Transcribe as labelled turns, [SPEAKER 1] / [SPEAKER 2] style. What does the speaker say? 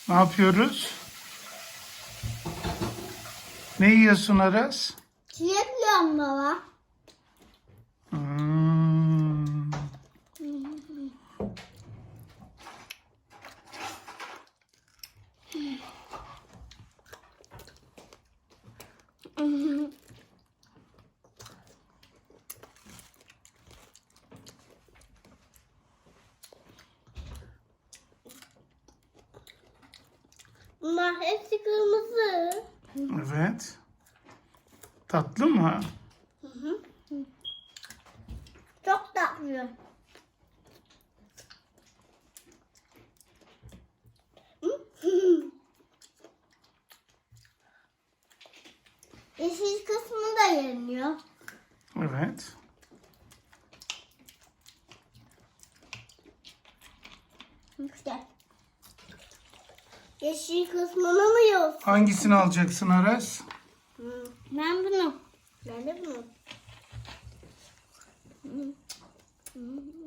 [SPEAKER 1] Ne yapıyoruz? Ne yiyorsun Aras?
[SPEAKER 2] Çilek yiyorum baba.
[SPEAKER 1] Hmm.
[SPEAKER 2] Bunlar hepsi kırmızı.
[SPEAKER 1] Evet. Tatlı mı?
[SPEAKER 2] Çok tatlı. Yeşil kısmı da yeniliyor.
[SPEAKER 1] Evet.
[SPEAKER 2] İşte. Yeşil kısmını mı yiyorsun?
[SPEAKER 1] Hangisini alacaksın Aras?
[SPEAKER 2] Ben bunu. Ben de bunu.